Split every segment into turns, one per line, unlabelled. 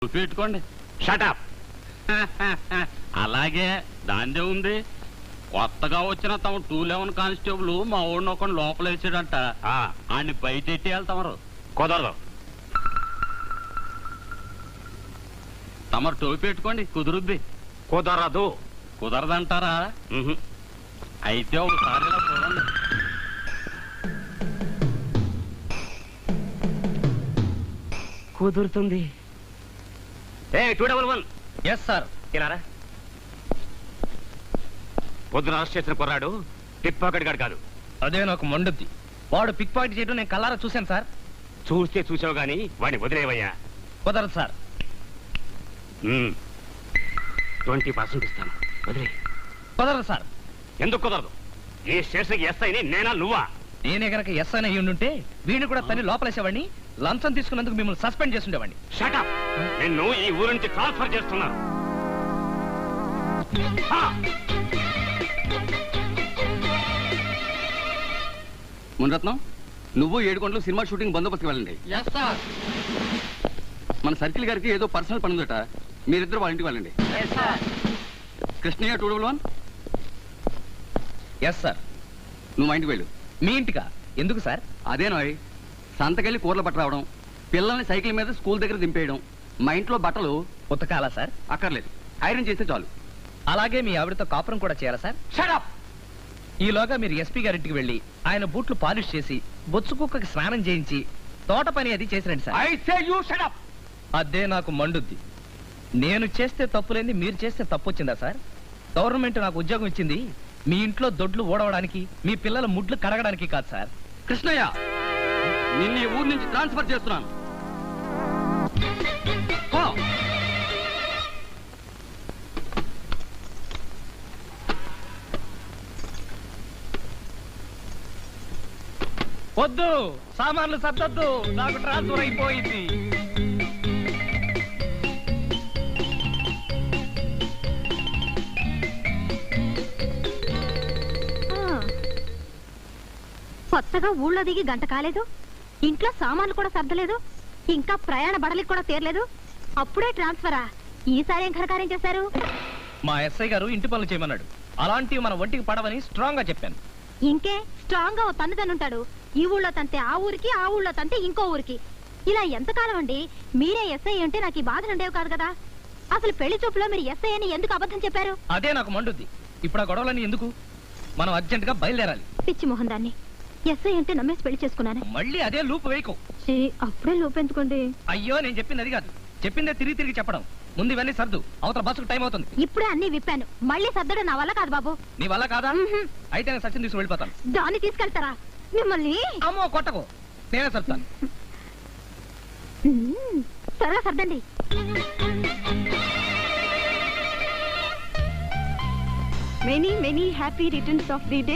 పెట్టుకోండి.
షటప్.
అలాగే దాందే ఉంది. కొత్తగా వచ్చిన తమ 211 కానిస్టేబుల్ మా ఊడిని ఒక లోపల వేసాడంట. ఆయన్ని బయట ఎట్టి వెళ్తామరు.
కుదరదు.
తమరు టోపీ పెట్టుకోండి, కుదురుద్ది.
కుదరదు.
కుదరదంటారా? అయితే ఒకసారి ఇలా చూడండి.
కుదురుతుంది.
ఏ 211.
Yes sir.
ఇలారా. పొద్దున అరెస్ట్ చేసిన కుర్రాడు పిక్ పాకెట్ గాడు కాదు.
అదే నాకు మండుద్ది. వాడు పిక్ పాకెట్ చేయడం నేను కల్లారా చూశాను సార్.
చూస్తే చూసావు గాని వాడిని వదిలేవయ్యా.
కుదరదు సార్.
20% ఇస్తాను, వదిలే.
కుదరదు సార్.
ఎందుకు కుదరదు? ఈ స్టేషన్కి ఎస్ఐని నేనా నువ్వా?
నేనే గనక ఎస్ అని ఉండుంటే వీడిని కూడా తల్లి లోపలేసేవాడిని. లంచం తీసుకున్నందుకు మిమ్మల్ని సస్పెండ్ చేస్తుండేవాడిని.
షటప్. నిన్ను ఈ ఊరు నుంచి ట్రాన్స్ఫర్ చేస్తున్నాను.
మునిరత్నం, నువ్వు 7 గంటలు సినిమా షూటింగ్ బందోబస్తుకి వెళ్ళండి. మన సర్కిల్ గారికి ఏదో పర్సనల్ పని ఉందట, మీరిద్దరు వాళ్ళ ఇంటికి వెళ్ళండి. కృష్ణయ్య 211.
Yes sir.
నువ్వు మా ఇంటికి వెళ్ళు.
మీ ఇంటికా? ఎందుకు సార్?
అదేనోయ్, సంతకెళ్ళి కూరలు పట్ట రావడం, పిల్లల్ని సైకిల్ మీద స్కూల్ దగ్గర దింపేయడం, మా ఇంట్లో బట్టలు
ఉతకాలా సార్?
అక్కర్లేదు, ఐరన్ చేస్తే చాలు.
అలాగే మీ ఆవిడతో కాపురం కూడా చేయాలా సార్?
షటప్.
ఈలోగా మీరు ఎస్పీ గారింటికి వెళ్ళి ఆయన బూట్లు పాలిష్ చేసి బొచ్చు కుక్కకి స్నానం చేయించి తోట పని అది చేసిరండి sir.
I say you shut up.
అదే నాకు మండుద్ది. నేను చేస్తే తప్పులేంది మీరు చేస్తే తప్పు వచ్చిందా సార్? గవర్నమెంట్ నాకు ఉద్యోగం ఇచ్చింది మీ ఇంట్లో దొడ్లు ఓడవడానికి, మీ పిల్లల ముడ్లు కడగడానికి కాదు సార్.
కృష్ణయ్య, నిన్ను ఈ ఊరు నుంచి ట్రాన్స్ఫర్ చేస్తున్నాను.
వద్దు, సామాన్లు సర్దొద్దు, నాకు ట్రాన్స్ఫర్ అయిపోయింది.
కొత్తగా ఊళ్ళో దిగి గంట కాలేదు, ఇంట్లో సామాన్లు కూడా సర్దలేదు, ఇంకా ప్రయాణ బడలికి కూడా తీరలేదు, అప్పుడే ట్రాన్స్ఫరా? ఈసారి ఏం ఘనకార్యం చేశారు?
మా ఎస్ఐ గారు ఇంటి పనులు చేయమన్నాడు. అలాంటివి మన ఒంటికి పడవని స్ట్రాంగ్ గా చెప్పాను.
ఇంకే స్ట్రాంగ్ గా ఓ తన్నుతానుంటాడు. ఈ ఊళ్ళో తంతే ఆ ఊరికి, ఆ ఊళ్ళో తంతే ఇంకో ఊరికి. ఇలా ఎంతకాలం అండి? మీరే ఎస్ఐ అంటే నాకు ఈ బాధలు ఉండేవి కాదు కదా. అసలు పెళ్లి చూపులో మీరు ఎస్ఐ అని ఎందుకు అబద్ధం చెప్పారు?
అదే నాకు మండుద్ది. ఇప్పుడు ఆ గొడవలన్నీ ఎందుకు? మనం అర్జెంట్ గా బయలుదేరాలి.
పిచ్చి మొహం దాన్ని. ఎస్ఐ అంటే నమ్మేసి పెళ్లి చేసుకున్నాను.
మళ్ళీ అదే లూప్ వేయకు.
అప్పుడే లోపెందుకోండి.
అయ్యో, నేను చెప్పింది అది కాదు. చెప్పిందే తిరిగి తిరిగి చెప్పడం. ముందు ఇవన్నీ సర్దు, అవతల బస్సుకు టైం అవుతుంది.
ఇప్పుడే అన్ని విప్పాను, మళ్ళీ సర్దడం నా వల్ల కాదు బాబు.
నీ వల్ల కాదా? అయితే నేను సచిన్ తీసుకుని వెళ్ళిపోతాను.
దాన్ని తీసుకెళ్తారా? మిమ్మల్ని
అమ్మో కొట్టకు, నేనే సర్తాను.
త్వరగా సర్దండి.
Many many happy returns of the day.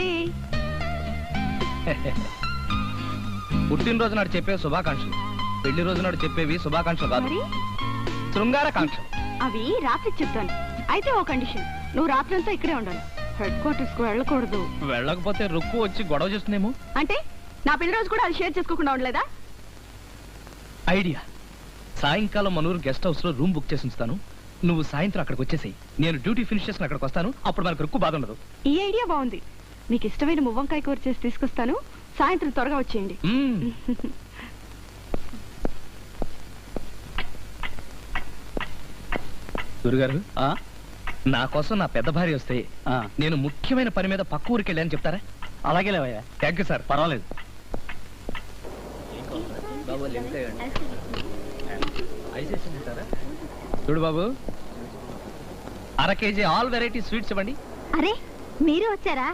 పుట్టినరోజు నాడు చెప్పే శుభాకాంక్షలు, పెళ్లి రోజు నాడు చెప్పేవి శుభాకాంక్షలు కాదు, శృంగారకాంక్షలు.
అవి రాత్రి చెప్తాను. అయితే ఓ కండిషన్, నువ్వు రాత్రంతా ఇక్కడే ఉండాలి, హెడ్ క్వార్టర్స్ కు వెళ్ళకూడదు.
వెళ్ళకపోతే రుక్కు వచ్చి గొడవ చేస్తుందేమో.
అంటే నా పెళ్లి రోజు కూడా అది షేర్ చేసుకోకుండా ఉండలేదా?
ఐడియా. సాయంకాలం మనూరు గెస్ట్ హౌస్ లో రూమ్ బుక్ చేసి ఉంచుతాను. నువ్వు సాయంత్రం అక్కడికి వచ్చేసి నేను డ్యూటీ ఫినిష్ చేసుకుని అక్కడికి వస్తాను. అప్పుడు మనకు రుక్కు బాధ ఉండదు.
ఈ ఐడియా బాగుంది. మీకు ఇష్టమైన మువ్వంకాయ కూర చేసి తీసుకొస్తాను. సాయంత్రం త్వరగా వచ్చేయండి.
గురుగారు, నా కోసం నా పెద్ద భార్య వస్తే నేను ముఖ్యమైన పని మీద పక్క ఊరికి వెళ్ళాను చెప్తారా?
అలాగే లేవయ్యా.
Thank you sir.
పర్వాలేదు.
చూడు బాబు, 1/2 కేజీ ఆల్ వెరైటీ స్వీట్స్ ఇవ్వండి.
అరే, మీరు వచ్చారా?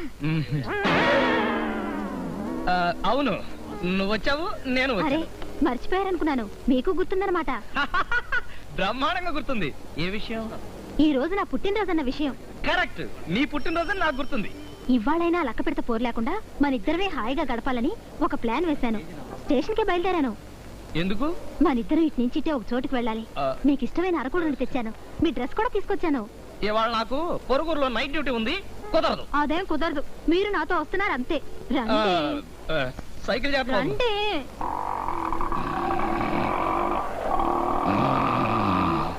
అవును, నువ్వు వచ్చావు, నేను
అరే, మర్చిపోయారనుకున్నాను. మీకు గుర్తుందన్నమాట.
బ్రహ్మాండంగా గుర్తుంది. ఏ విషయం?
ఈ రోజు నా పుట్టినరోజు అన్న విషయం.
కరెక్ట్, నీ పుట్టినరోజు నాకు గుర్తుంది.
ఇవాళైనా లక్క పెడత పోరు లేకుండా మన ఇద్దరమే హాయిగా గడపాలని ఒక ప్లాన్ వేశాను. స్టేషన్ కి బయలుదేరాను.
ఎందుకు?
మనిద్దరం ఇటు నుంచి ఇటే ఒక చోటుకి వెళ్ళాలి. మీకు ఇష్టమైన అరకుడు తెచ్చాను. మీ డ్రెస్ కూడా తీసుకొచ్చాను.
ఇవాళ నాకు పొరుగురులో నైట్ డ్యూటీ ఉంది, కుదరదు.
అదేం కుదరదు, మీరు నాతో వస్తున్నారు అంతే.
సైకిల్ చేస్తాను.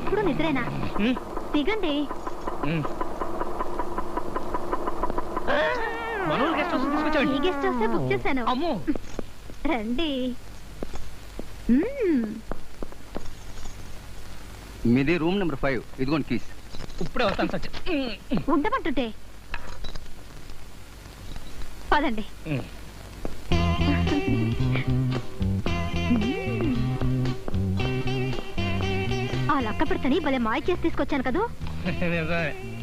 ఎప్పుడు నిద్రేనా
ఉమ్,
దిగండి.
ఉమ్. మనోళ్ళు గెస్ట్ హౌస్
ఈ
తీసుకొచ్చావండి.
గెస్ట్ హౌసే బుక్ చేశాను.
అమ్మో
రండి.
మీది రూమ్ నెంబర్ 5. ఇదిగోండి కీస్.
ఇప్పుడే వస్తాను సత్య.
ఉండమంటుంటే పదండి. ఆ లక్క పెడతని భలే మాయ చేసి తీసుకొచ్చాను కదూ.
నిజమే.